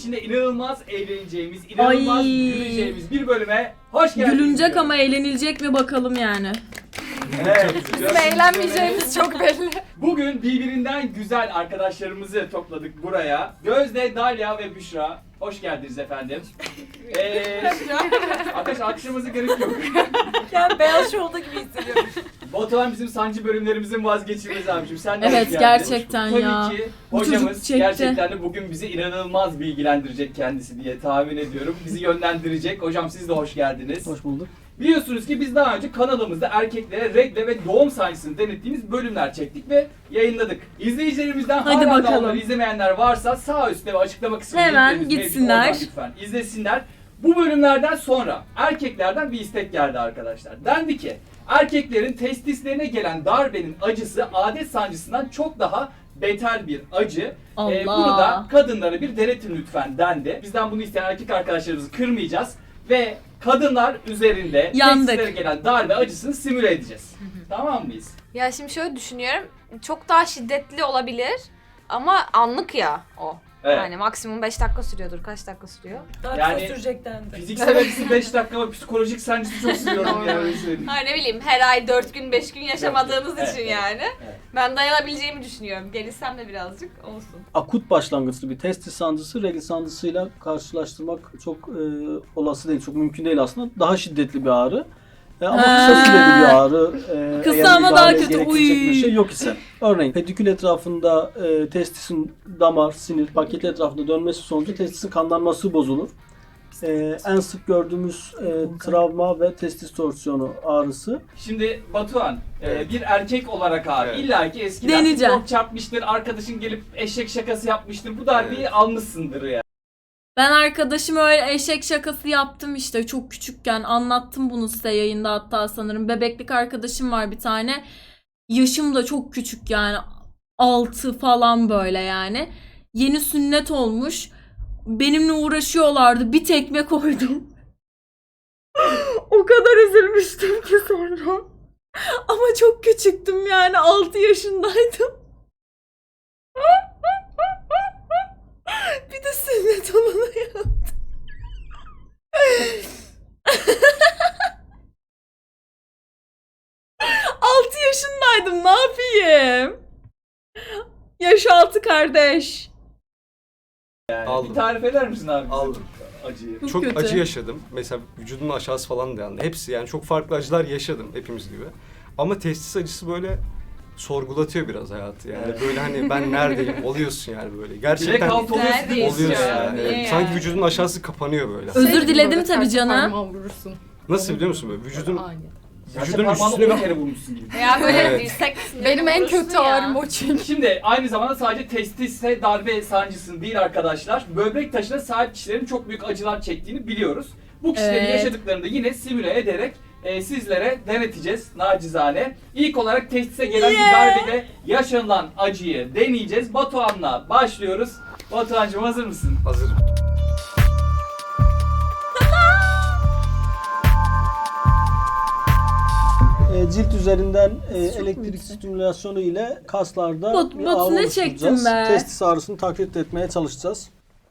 içinde inanılmaz eğleneceğimiz, inanılmaz güleceğimiz bir bölüme hoş geldiniz. Gülünecek ama eğlenilecek mi bakalım yani. Evet. Bizim eğlenmeyeceğimiz çok belli. Bugün birbirinden güzel arkadaşlarımızı topladık buraya. Gözde, Dalya ve Büşra. Hoş geldiniz efendim. Arkadaş alkışlamanıza gerek yok. Yani Beyaz Show'da gibi hissediyorum. Batuhan bizim sancı bölümlerimizin vazgeçilmezi abicim. Sen de Evet, hoş geldin. gerçekten Tabii ya. ki Bu çocuk hocamız çekti. gerçekten de bugün bizi inanılmaz bilgilendirecek kendisi diye tahmin ediyorum. Bizi yönlendirecek. Hocam siz de hoş geldiniz. Hoş bulduk. Biliyorsunuz ki biz daha önce kanalımızda erkeklere regle ve doğum sancısını denettiğimiz bölümler çektik ve yayınladık. İzleyicilerimizden Hadi hala da bakalım. onları izlemeyenler varsa sağ üstte ve açıklama kısmında Hemen linklerimiz mevcut. gitsinler. Oradan lütfen izlesinler. Bu bölümlerden sonra erkeklerden bir istek geldi arkadaşlar. Dendi ki erkeklerin testislerine gelen darbenin acısı adet sancısından çok daha beter bir acı. Allah. Bunu da kadınlara bir denetin lütfen dendi. Bizden bunu isteyen erkek arkadaşlarımızı kırmayacağız ve kadınlar üzerinde Yandık. testislere gelen darbe acısını simüle edeceğiz. Tamam mıyız? Ya şimdi şöyle düşünüyorum. Çok daha şiddetli olabilir ama anlık ya o. Evet. Yani maksimum 5 dakika sürüyordur. Kaç dakika sürüyor? Daha Yani- kısa sürecek dendi. Fiziksel acısı 5 dakika ama psikolojik sancısı çok sürüyorum ya öyle söyleyeyim. Ha ne bileyim her ay 4 gün 5 gün yaşamadığınız Evet, için evet, yani. evet. Ben dayanabileceğimi düşünüyorum. Gelişsem de birazcık olsun. Akut başlangıçlı bir testis sancısı regl sancısıyla karşılaştırmak çok olası değil, çok mümkün değil aslında. Daha şiddetli bir ağrı. Ama kısa süreli bir ağrı. Kısa eğer ama daha müdahale kötü. gerektirecek bir Uy. şey yok ise. Örneğin pedikül etrafında testisin damar, sinir, paketi etrafında dönmesi sonucu testisin kanlanması bozulur. En sık gördüğümüz travma ve testis torsiyonu ağrısı. Şimdi Batuhan, bir erkek olarak abi Evet. illa ki eskiden Deneyeceğim. çok çarpmıştır, arkadaşın gelip eşek şakası yapmıştır. Bu darbeyi almışsındır ya. Ben arkadaşım öyle eşek şakası yaptım işte çok küçükken. Anlattım bunu size yayında hatta sanırım. Bebeklik arkadaşım var bir tane. Yaşım da çok küçük yani. 6 falan böyle yani. Yeni sünnet olmuş. Benimle uğraşıyorlardı. Bir tekme koydum. O kadar üzülmüştüm ki sonra. Ama çok küçüktüm yani. 6 yaşındaydım. Bir de sünnet olana yaptı. Altı yaşındaydım, ne yapayım? Yaş altı kardeş. Aldım. Bir tarif eder misin abi bize Aldım. bu acıyı? Çok Çok kötü. acı yaşadım. Mesela vücudumun aşağısı falan da yandı. Hepsi yani çok farklı acılar yaşadım hepimiz gibi. Ama testis acısı böyle sorgulatıyor biraz hayatı. Yani Evet. böyle hani ben neredeyim oluyorsun yani böyle. Direkt Gerçekten alt oluyorsun değil mi? Neredeyiz oluyorsun ya? yani. Niye Evet. yani? Sanki vücudun aşağısı kapanıyor böyle. Özür diledim tabii canım. Vurursun. Nasıl biliyor musun böyle? Vücudun Aynen. Vücudun üstüne üstüne bir... kere vurmuşsun gibi. Ya böyle Evet. dirsek Benim en vurursun kötü ya. ağrım o çünkü. Şimdi aynı zamanda sadece testise darbe sancısı değil arkadaşlar. Böbrek taşına sahip kişilerin çok büyük acılar çektiğini biliyoruz. Bu kişilerin Evet. yaşadıklarını da yine simüle ederek sizlere deneteceğiz nacizane. İlk olarak testise gelen bir darbede yaşanılan acıyı deneyeceğiz. Batuhan'la başlıyoruz. Batuhan'cığım hazır mısın? Hazırım. Cilt üzerinden elektrik stimülasyonu ile kaslarda Bot- bir botunu ağrı oluşturacağız. çektim be. Testis ağrısını taklit etmeye çalışacağız.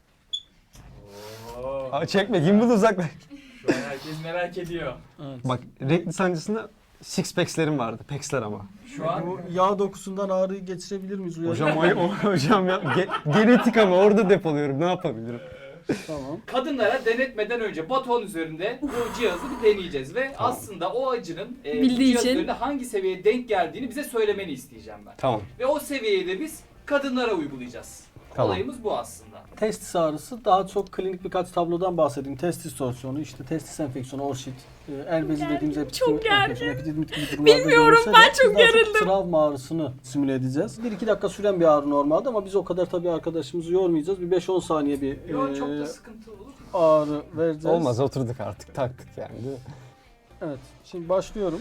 Aa, çekme gimbal uzaklaş. Şu an herkes merak ediyor. Bak regl sancısında six packs'lerim vardı. Packs'ler ama. Şu an Bu yağ dokusundan ağrıyı geçirebilir miyiz? Hocam hocam ya genetik ama orada depoluyorum. Ne yapabilirim? Tamam. kadınlara denetmeden önce Batuhan üzerinde bu cihazı bir deneyeceğiz ve aslında o acının bu Bildiği cihaz için. üzerinde hangi seviyeye denk geldiğini bize söylemeni isteyeceğim ben. Tamam. Ve o seviyeyi de biz kadınlara uygulayacağız. Tamam. Olayımız bu aslında. Testis ağrısı daha çok klinik birkaç tablodan bahsedeyim. Testis torsiyonu, işte testis enfeksiyonu, orşit, el bezi dediğimiz çok enfeksiyon, epididimit gibi durumlarda Bilmiyorum, görülse de ben biz çok daha gerildim. travma ağrısını simüle edeceğiz. 1-2 dakika süren bir ağrı normalde ama biz o kadar tabii arkadaşımızı yormayacağız. Bir 5-10 saniye bir Yo, çok da sıkıntılı olur mu? ağrı vereceğiz. Olmaz oturduk artık taktık yani değil mi? Evet. Şimdi başlıyorum.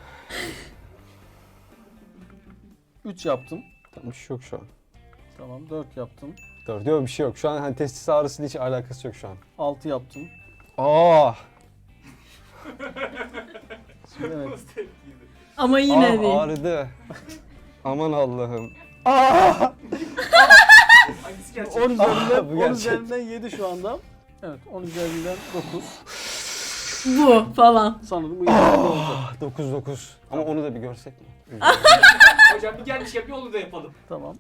3 yaptım. Tamam bir şey yok şu an. Tamam. 4 yaptım. Dur diyor bir şey yok. Şu an hani testis ağrısıyla hiç alakası yok şu an. 6 yaptım. Aa! Şimdi evet. Nasıl tepkiydi? Ama yine değil. Ağrıdı. Aman Allah'ım. Hangisi gerçek. 10 üzerinden, bu 10 gerçek. üzerinden 7 şu anda. Evet 10 üzerinden 9. Bu falan. Sanırım bu iyi oldu. 9. Ama onu da bir görsek mi? Hocam bir gelmişken bir onu da yapalım. Tamam.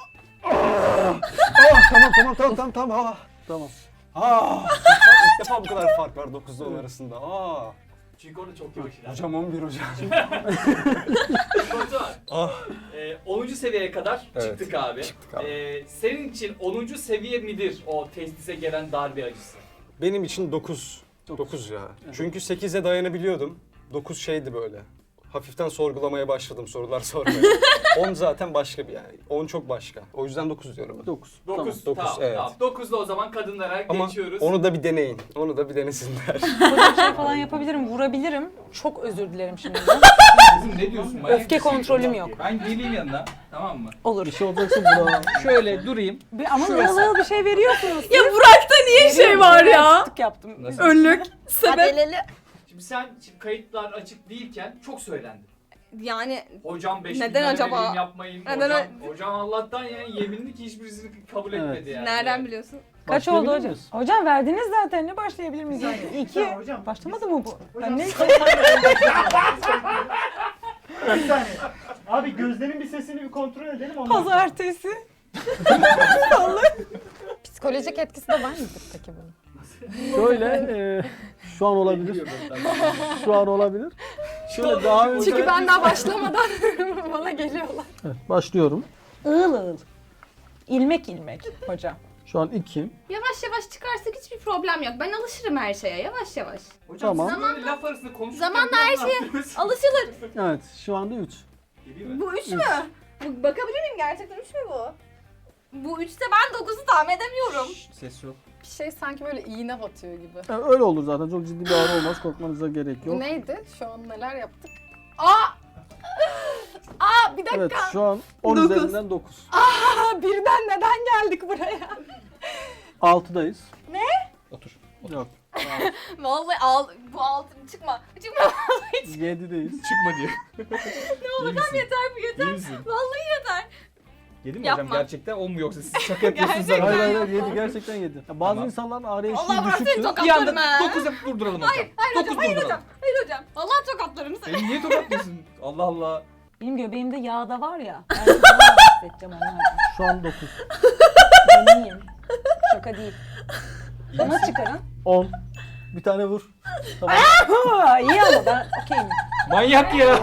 Tamam. Tamam. İlk defa bu kadar fark var 9'da 10 arasında. Çünkü orada çok yavaş ilerliyor. Hocam 11 hocam. Batuhan, 10. seviyeye kadar Evet, çıktık abi. çıktık abi. Senin için 10. seviye midir o testise gelen darbe acısı? Benim için 9. 9 ya. Çünkü 8'e dayanabiliyordum. 9 şeydi böyle. Hafiften sorgulamaya başladım, sorular sormaya. 10 zaten başka bir yani. 10 çok başka. O yüzden 9 diyorum ben. 9. 9. dokuz, Tamam, evet. tamam. 9'da o zaman kadınlara Ama geçiyoruz. onu da bir deneyin. Onu da bir denesinler. Böyle bir şey falan yapabilirim, vurabilirim. Çok özür dilerim şimdi. Kızım ne diyorsun? Manyak Öfke mısın? kontrolüm yok. Ben geleyim yanına. Tamam mı? Olur. Bir şey olacaksa bura. Şöyle durayım. Ama ığıl bir şey veriyorsunuz. Ya Burak'ta niye şey var ya? Tık yaptım. Nasıl? Önlük. Sebep. Şimdi sen kayıtlar açık değilken çok söylendin. Yani Hocam 5 Neden acaba? Yapmayın. Neden Hocam Allah'tan yani yeminli ki hiçbirisini kabul Evet. etmedi yani. nereden biliyorsun? Kaç oldu Başlayabilir hocam? miyiz? Hocam verdiniz zaten. Ne başlayabilir miyiz? Yani? 2. hocam. Başlamadı mı bu? Ben ne? Bir saniye. Abi gözlerin bir sesini bir kontrol edelim ondan. Pazartesi. Psikolojik etkisi de var mıdır peki bunun? Şöyle şu an olabilir. Şu an olabilir. Şöyle daha önce... Çünkü ben daha başlamadan bana geliyorlar. Evet, başlıyorum. Iğıl ığıl. İlmek ilmek hocam. Şu an 2. Yavaş yavaş çıkarsak hiçbir problem yok. Ben alışırım her şeye yavaş yavaş. Hocam Tamam. siz böyle laf arasında konuşurken Zamanla bir her anda şeye atlıyorsunuz. alışılır. Evet şu anda 3. Geleyim mi? Bu 3 mü? Bakabilir miyim gerçekten 3 mü bu? Bu 3'te ben 9'u tahmin edemiyorum. Ses yok. Bir şey sanki böyle iğne batıyor gibi. Yani öyle olur zaten. Çok ciddi bir ağrı olmaz. Korkmanıza gerek yok. Neydi? Şu an neler yaptık? Aa bir dakika. Evet şu an 10 Dokuz. üzerinden 9. Birden neden geldik buraya? 6'dayız. Otur. Yok. Vallahi bu altın çıkma. Çıkma. 7'deyiz. Çıkma diyor. Ne olur tam yeter bu yeter. İyi misin? Vallahi yeter. Yedi mi Yapma. hocam gerçekten 10 mu yoksa siz şaka yapıyorsunuz Gerçekten. ama. Hayır 7 gerçekten 7. Ya bazı Tamam. insanların ağrı eşiği Allah bırak seni düşüktür. Bir tokatlarım anda ha. 9'a durduralım hocam. Hayır hocam, hayır hocam. Hayır hocam. Allah tokatlarım seni. Beni niye tokatlıyorsun? Allah Allah. Benim göbeğimde yağ da var ya. Ben size daha bahsedeceğim onlardan. Şu an 9. Ben iyiyim. Şaka değil. Bana çıkarın. 10. Bir tane vur. Tamam. İyi ama ben okeyim. Manyak ya.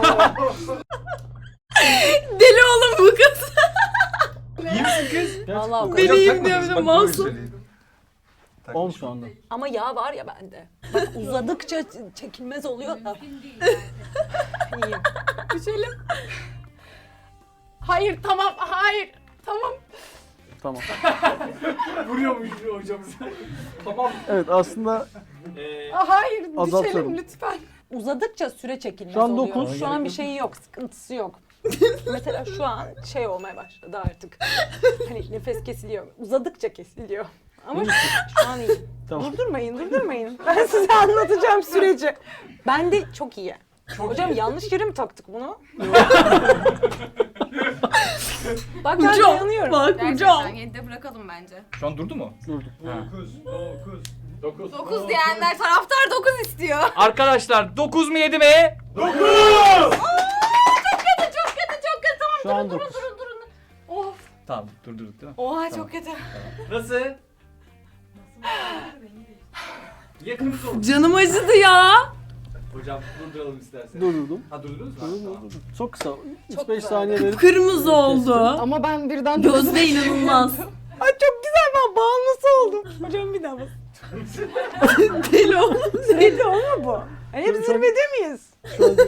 Deli oğlum bu kız. İyi misin kız? Vallahi o kadar. Deliyim diyor bir de masum. 10 şu anda. Ama yağ var ya bende. Bak uzadıkça çekilmez oluyor da. İyiyim. Düşelim. Hayır tamam hayır. Tamam. Tamam. Vuruyormuş hocamız. Tamam. Evet aslında Hayır Azaltıyorum. düşelim lütfen. Uzadıkça süre çekilmez Şu an oluyor. dokuz. Şu an bir şeyi yok, sıkıntısı yok. Mesela şu an şey olmaya başladı artık. Hani nefes kesiliyor. Uzadıkça kesiliyor. Ama şu an iyi. Tamam. Durdurmayın. Ben size anlatacağım süreci. Ben de çok iyi. Çok Hocam iyi. yanlış yere mi taktık bunu? Bak ben Hocam dayanıyorum. bak hocam. Gerçekten 7'de bırakalım bence. Şu an durdu mu? durduk. 9. 9 diyenler taraftar 9 istiyor. Arkadaşlar 9 mu 7 mi? Çok kötü tamam Şu an durun 9. durun. Of. Tamam durdurduk değil mi? Oha çok kötü. Nasıl? Yakınız oldu. Canım acıdı ya. Hocam durduralım isterseniz. Durdurdum. Ha durdurdunuz mu? Durdurdum. Çok kısa. 3-5 güzel. saniye verip Kırmızı oldu. Ama ben birden Gözde inanılmaz. Ay çok güzel, ben bağımlısı oldum. Hocam bir daha bas. Deli oğlum. Sürekli olma bu. Hani hep zirvede miyiz? şu an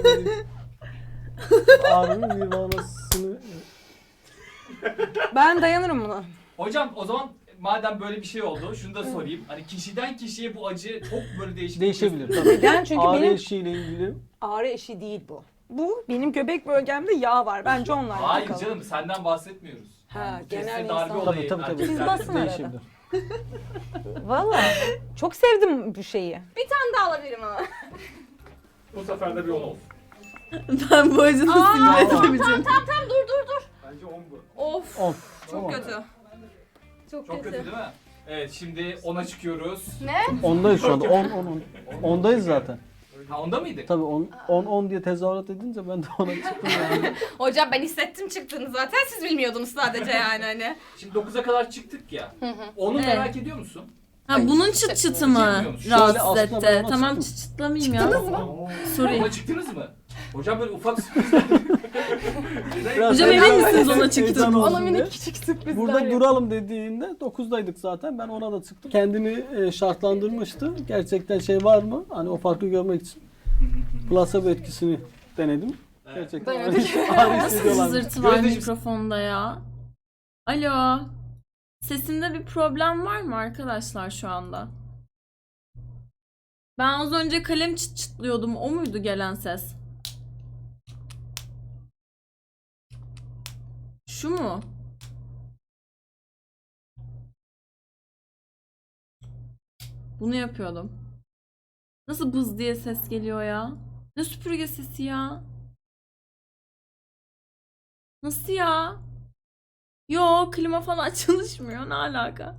ağrının nirvanasını... Ben dayanırım buna. Hocam o zaman madem böyle bir şey oldu şunu da sorayım. Hani kişiden kişiye bu acı çok böyle değişik. Değişebilir tabii. Neden? Çünkü Ağrı benim eşiğiyle ilgili ağrı eşiği değil bu. Bu benim göbek bölgemde yağ var. Bence onlarla Hayır alakalı. canım senden bahsetmiyoruz. Ha, Yani bu genel kesme darbe insan. olayı tabii. erkeklerde Biz basın arada. değişebilir. Valla çok sevdim bu şeyi. Bir tane daha alabilirim ama. Bu sefer de bir 10 olsun. Ben bu acını sinir edemeyeceğim. Tamam dur. Bence 10 bu. Of. 10. Çok kötü. Çok, Çok kötü değil mi? Evet şimdi 10'a çıkıyoruz. Ondayız şu anda. 10. Ondayız zaten. Ha onda mıydık? Tabii 10 diye tezahürat edince ben de ona çıktım yani. Hocam ben hissettim çıktığını zaten. Siz bilmiyordunuz sadece yani hani. Şimdi 9'a kadar çıktık ya. Onu Evet. merak ediyor musun? Ha bunun çıt çıtı mı Şöyle rahatsız aslında ben etti? ona Tamam çıktım. çıt çıtlamayayım ya. Sorry. Ona çıktınız mı? Hocam böyle ufak sürprizler. Biraz Hocam heyecan- emin misiniz ona heyecan çıktın? olsun Ona diye. minik küçük sürprizler Burada yap. duralım dediğinde 9'daydık zaten. Ben ona da çıktım. Kendini şartlandırmıştı. Gerçekten şey var mı? Hani o farkı görmek için placebo etkisini denedim. Gerçekten ağrı Nasıl hissediyorlar. cızırtı var Gözdeciğim- mikrofonda ya? Alo. Sesimde bir problem var mı arkadaşlar şu anda? Ben az önce kalem çıt çıtlıyordum. O muydu gelen ses? Şu mu? Bunu yapıyordum. Nasıl bız diye ses geliyor ya? Ne süpürge sesi ya? Nasıl ya? Yo, klima falan çalışmıyor. Ne alaka?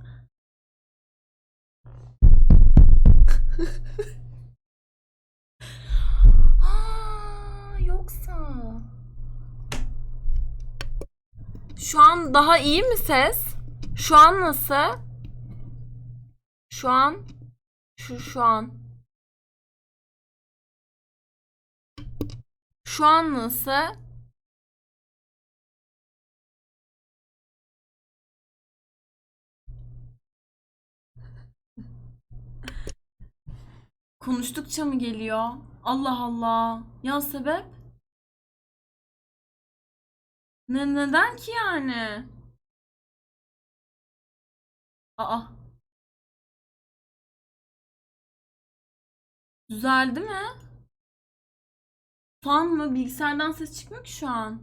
Aa, yoksa. Şu an daha iyi mi ses? Şu an nasıl? Şu an. Şu an. Şu an nasıl? Konuştukça mı geliyor? Allah Allah. Ya sebep? Neden ki yani? Aa. Düzeldi mi? Fan mı? Bilgisayardan ses çıkmıyor ki şu an.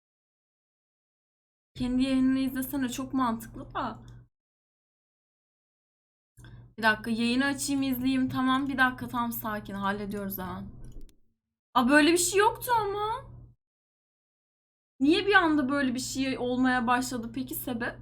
Kendi yayınını izlesene, çok mantıklı da. Bir dakika, yayını açayım izleyeyim. Tamam, bir dakika, tam sakin, hallediyoruz hemen. Aa, böyle bir şey yoktu ama. Niye bir anda böyle bir şey olmaya başladı peki, sebep?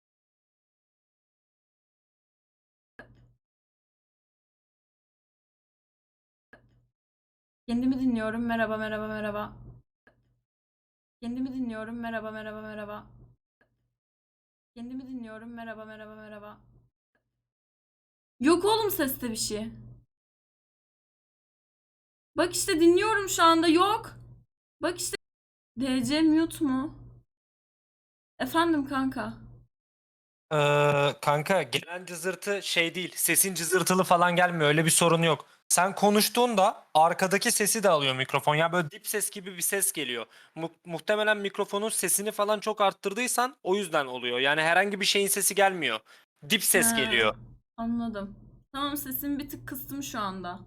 Kendimi dinliyorum, merhaba merhaba merhaba. Kendimi dinliyorum, merhaba merhaba merhaba. Kendimi dinliyorum, merhaba merhaba merhaba. Yok oğlum, seste bir şey. Bak işte dinliyorum şu anda, yok. Bak işte. DC mute mu? Efendim kanka. Kanka gelen cızırtı şey değil, sesin cızırtılı falan gelmiyor, öyle bir sorun yok. Sen konuştuğunda arkadaki sesi de alıyor mikrofon. Ya böyle dip ses gibi bir ses geliyor. Muhtemelen mikrofonun sesini falan çok arttırdıysan o yüzden oluyor. Yani herhangi bir şeyin sesi gelmiyor. Dip ses Ha, geliyor. Anladım. Tamam, sesimi bir tık kıstım şu anda.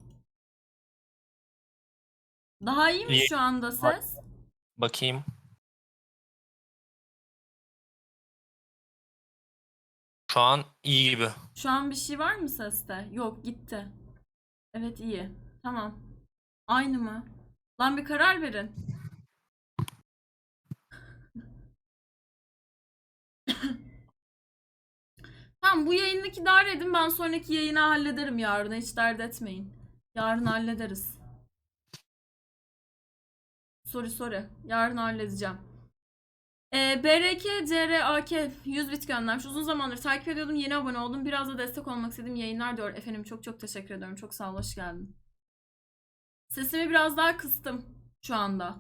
Daha iyi mi İyi. şu anda ses? Bakayım. Şu an iyi gibi. Şu an bir şey var mı seste? Yok, gitti. Evet, iyi. Tamam. Aynı mı? Lan bir karar verin. Tamam, bu yayındaki idare edin. Ben sonraki yayını hallederim yarın. Hiç dert etmeyin. Yarın hallederiz. Sorry. Yarın halledeceğim. BRK CRAK 100 bit göndermiş. Uzun zamandır takip ediyordum. Yeni abone oldum. Biraz da destek olmak istediğim yayınlar diyor. Efendim çok teşekkür ediyorum. Çok sağ ol. Hoş geldin. Sesimi biraz daha kıstım şu anda.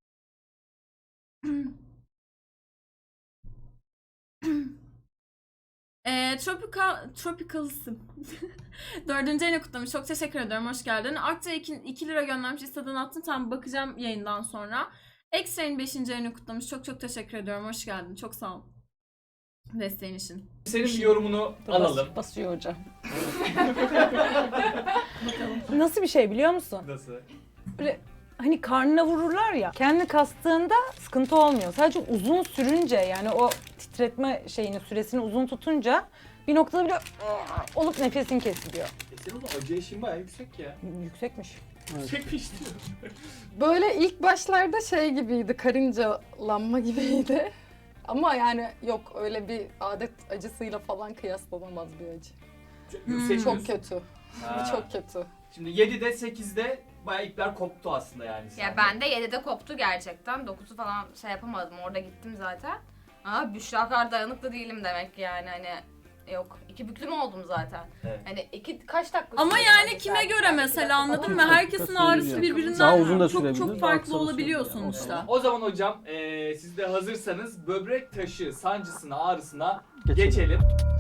Tropical'sın. 4. ayını kutlamış. Çok teşekkür ederim. Hoş geldin. Akça 2 lira göndermiş. İstediğini attın. Tam bakacağım yayından sonra. Extra'nın 5. ayını kutlamış. Çok teşekkür ediyorum. Hoş geldin. Çok sağ ol. Desteğin için. Senin bir yorumunu alalım. Basıyor hocam. Nasıl bir şey biliyor musun? Nasıl? Böyle hani karnına vururlar ya. Kendini kastığında sıkıntı olmuyor. Sadece uzun sürünce, yani o titretme süresini uzun tutunca bir noktada bile olup nefesin kesiliyor. Senin acı eşiğin bayağı yüksek ya. Yüksekmiş. Yüksekmiş diyor. Böyle ilk başlarda şey gibiydi, karıncalanma gibiydi. Ama yani yok öyle bir adet acısıyla falan kıyaslanamaz bir acı. Yükseliyorsun. Çok kötü. Ha. Çok kötü. Şimdi 7'de 8'de bayağı ipler koptu aslında yani. Ya sende. ben de 7'de koptu gerçekten. 9'u falan şey yapamadım. Orada gittim zaten. Ama Büşra kadar dayanıklı değilim demek ki yani hani. Yok. 2 büklüm oldum zaten. Evet. Hani kaç dakika Ama sürdü yani acı kime servis? göre Yani mesela 2 dakika anladın falan mı? mı? Herkesin ağrısı Daha birbirinden uzun da çok sürebilir, çok daha farklı kısa da olabiliyor sürebilir. sonuçta. O zaman hocam siz de hazırsanız böbrek taşı sancısına, ağrısına Geçelim. geçelim.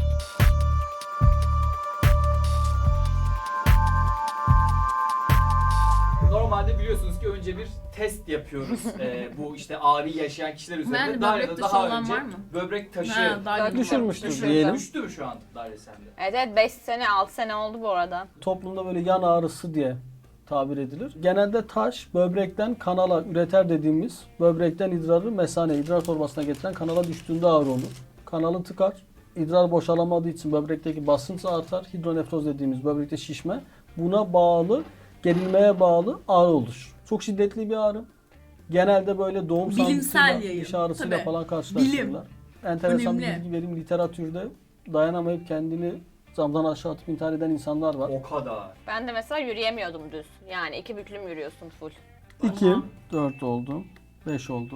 Normalde biliyorsunuz ki önce bir test yapıyoruz bu işte ağrıyı yaşayan kişiler üzerinde. Yani Darya'da böbrek taşı daha olan önce var mı? böbrek taşı Ha, daha Düşürmüştür Düşürdüm. diyelim. düştü mü şu an Darya sende? Evet 5 sene 6 sene oldu bu arada. Toplumda böyle yan ağrısı diye tabir edilir. Genelde taş böbrekten kanala üreter dediğimiz böbrekten idrarı mesane, idrar torbasına getiren kanala düştüğünde ağrı olur. Kanalı tıkar. İdrar boşalamadığı için böbrekteki basınç artar. Hidronefroz dediğimiz böbrekte şişme. Buna bağlı, gerilmeye bağlı ağrı olur. Çok şiddetli bir ağrı. Genelde böyle doğum Bilimsel sancısıyla, yayın. diş ağrısıyla Tabii. falan karşılaştırırlar. Enteresan bir Önemli. bilgi vereyim. Literatürde dayanamayıp kendini camdan aşağı atıp intihar eden insanlar var. O kadar. Ben de mesela yürüyemiyordum düz. Yani 2 büklüm yürüyorsun full. 2, 4 oldu, 5 oldu,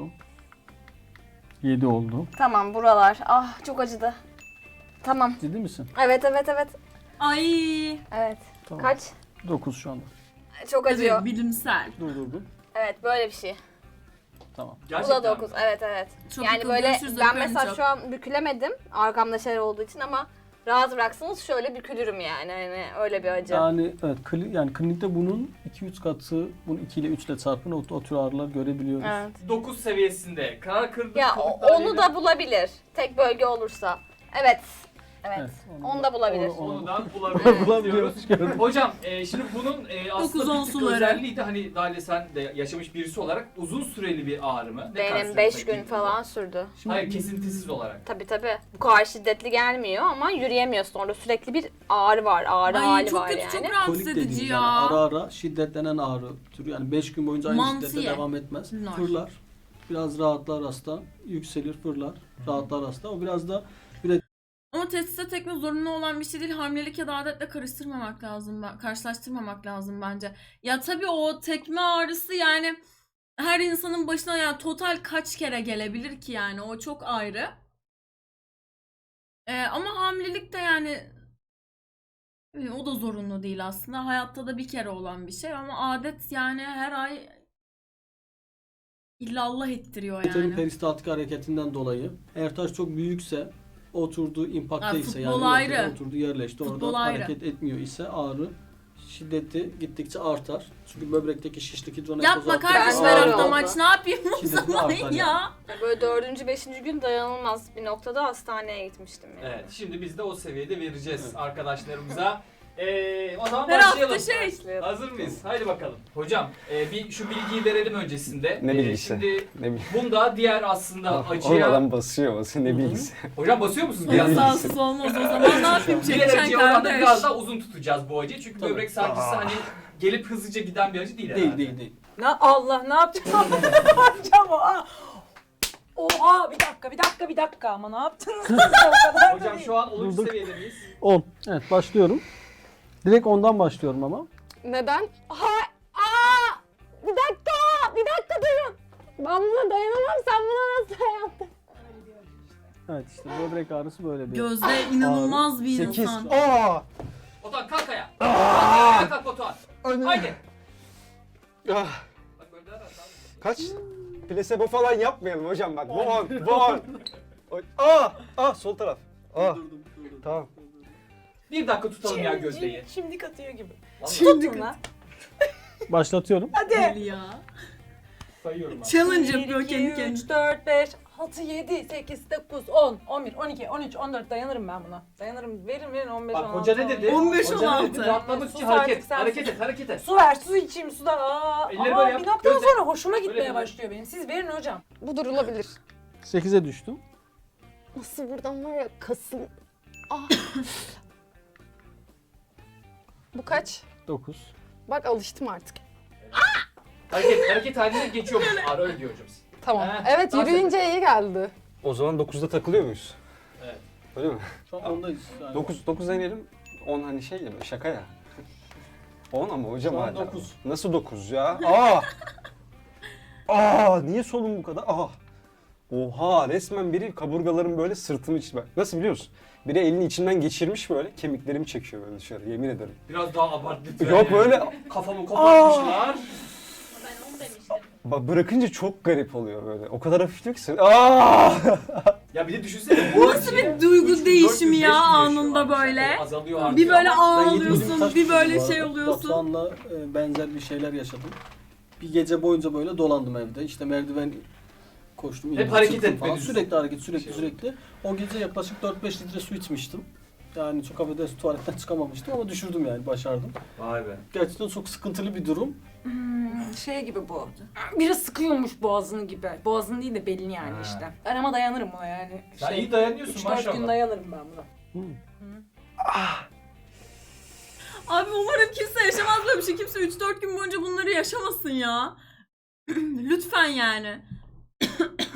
7 oldu. Tamam buralar. Ah çok acıdı. Tamam. Ciddi misin? Evet. Ay. Evet. Tamam. Kaç? 9 şu anda. Çok acıyor. Evet, bilimsel. Durdurdum. Evet böyle bir şey. Tamam. Bu Gerçekten da mi? 9. Evet. Çok Yani yakın, böyle görüşürüz, ben öpüyorum mesela çok. şu an bükülemedim. Arkamda şeyler olduğu için ama rahat bıraksanız şöyle bükülürüm yani. Hani öyle bir acı. Yani evet, yani klinikte bunun 2-3 katı, bunu 2 ile 3 ile çarpın o tür ağrılar görebiliyoruz. Evet. 9 seviyesinde karar kırdık. Ya onu da bulabilir. Tek bölge olursa. Evet. Evet, Onu da bulabilir. Onu da bulabiliyoruz. Bulabiliyoruz. gördüm. Hocam şimdi bunun aslında bir tık suları. özelliği de hani Dalia sen de yaşamış birisi olarak uzun süreli bir ağrı mı? Ne kadar Benim süre 5 gün peki? falan sürdü. Hayır kesintisiz olarak. Tabii. Bu kadar şiddetli gelmiyor ama yürüyemiyorsun. Orada sürekli bir ağrı var. Ağrı Ay hali çok var kötü, yani. çok rahatsız Kolik edici dediğimiz ya. yani ara ara şiddetlenen ağrı türü. Yani 5 gün boyunca aynı Mantıye. şiddetle devam etmez. Nar. Fırlar. Biraz rahatlar hasta. Yükselir, fırlar. Rahatlar hasta. O biraz da Ama testise tekme zorunlu olan bir şey değil. Hamilelik ya da adetle karıştırmamak lazım. Karşılaştırmamak lazım bence. Ya tabii o tekme ağrısı yani her insanın başına yani total kaç kere gelebilir ki yani o çok ayrı. Ama hamilelik de yani o da zorunlu değil aslında. Hayatta da bir kere olan bir şey ama adet yani her ay illallah ettiriyor Uterin yani. peristaltik hareketinden dolayı eğer taş çok büyükse oturduğu impakta Ha, ise futbol yani ayrı. oturduğu yerleşti Futbol orada ayrı. hareket etmiyor ise ağrı şiddeti gittikçe artar. Çünkü böbrekteki şişlik hidronefroz Yapma arttıkça kardeşim Ben her böyle hafta oldu. maç ne yapayım o Şiddeti zaman artar ya. yani. Böyle 4. 5. gün dayanılmaz bir noktada hastaneye gitmiştim yani. Evet şimdi biz de o seviyede vereceğiz arkadaşlarımıza. O zaman Her başlayalım. hafta şey. Başlayalım. Hazır mıyız? Haydi bakalım. Hocam bir şu bilgiyi verelim öncesinde. Ne bilgisi? Şimdi Ne bileyim. bunda diğer aslında Oğlum acıya... adam basıyor. Ne bilgisi. Hocam basıyor musunuz? Ya Biraz sağsız olmaz o zaman ne yapayım Diğer çekeceksin acıya oranla kardeş. biraz daha uzun tutacağız bu acıyı. Çünkü Tabii. böbrek sancısı hani gelip hızlıca giden bir acı değil herhalde. Değil. Allah ne yapacağım? Ne yapacağım o? Oha bir dakika ama ne yaptınız siz de o kadar da Hocam değil. şu an 10. Durduk. seviyede miyiz? 10. Evet başlıyorum. Direkt 10'dan başlıyorum ama. Neden? Bir dakika durun. Ben buna dayanamam. Sen buna nasıl dayandın? Evet işte böbrek ağrısı böyle bir. Gözde inanılmaz bir 8. insan. Batuhan kalk ayağa. Kalk kalk Batuhan. Haydi. Ah, Bak böyle daha rahat abi. kaç? Plasebo falan yapmayalım hocam bak. Bu on. Sol taraf. Tamam. Bir dakika tutalım ya Gözde'yi. Şimdi katıyor gibi. Vallahi lan. Başlatıyorum. Deli ya. sayıyorum abi. Challenge 1, yapıyor 2, kendi 3, kendine. 4, 5, 6, 7, 8, 9, 10, 11, 12, 13, 14 dayanırım ben buna. Dayanırım. Verin 15, Bak 16. hoca ne dedi? 15, Hoca ne 16. dedi? Rahatlamak için Sus hareket. artık sen. Hareket et. Su ver, su içeyim sudan. Elleri böyle yap. Bir noktadan Gözde. sonra hoşuma Böyle gitmeye bir- başlıyor benim. Siz verin hocam. Bu durulabilir. 8'e düştüm. Nasıl buradan var ya kasım. Bu kaç? 9. Bak alıştım artık. Hareket halinde geçiyormuş. Ağrı öyle diyor hocam. Tamam. He, Evet dans yürüyünce iyi geldi. O zaman 9'da takılıyor muyuz? Evet. Öyle mi? Şu an ondayız. Yani. 9 deneyelim. 10 hani şey ya şaka ya. 10 ama hocam Şu an hala. 9. Nasıl 9 ya? Niye solum bu kadar? Oha resmen biri kaburgalarım böyle sırtımı içine. Nasıl biliyorsun? Biri elini içimden geçirmiş böyle kemiklerimi çekiyor böyle dışarı yemin ederim. Biraz daha abart lütfen. Yok böyle Kafamı kopartmışlar. bırakınca çok garip oluyor böyle. O kadar hafif diyor ki sen. Ya bir de düşünsene. Bu Nasıl bir duygu değişimi ya anında böyle? Azalıyor artıyor. Bir böyle ama ağlıyorsun, bir böyle şey oluyorsun. Batuhan'la benzer bir şeyler yaşadım. Bir gece boyunca böyle dolandım evde. İşte merdiven koştum. Hep indim, hareket çıktım etmeniz. falan. Sürekli hareket, sürekli Şey sürekli. O gece yaklaşık 4-5 litre su içmiştim. Yani çok affedersin tuvaletten çıkamamıştım ama düşürdüm yani başardım. Vay be. Gerçekten çok sıkıntılı bir durum. Şey gibi bu. Biri sıkıyormuş boğazını gibi. Boğazını değil de belini yani Ha. işte. Ben ama dayanırım buna yani. Sen iyi dayanıyorsun 3-4 maşallah. gün dayanırım ben buna. Abi umarım kimse yaşamaz böyle bir şey. Kimse 3-4 gün boyunca bunları yaşamasın ya. Lütfen yani.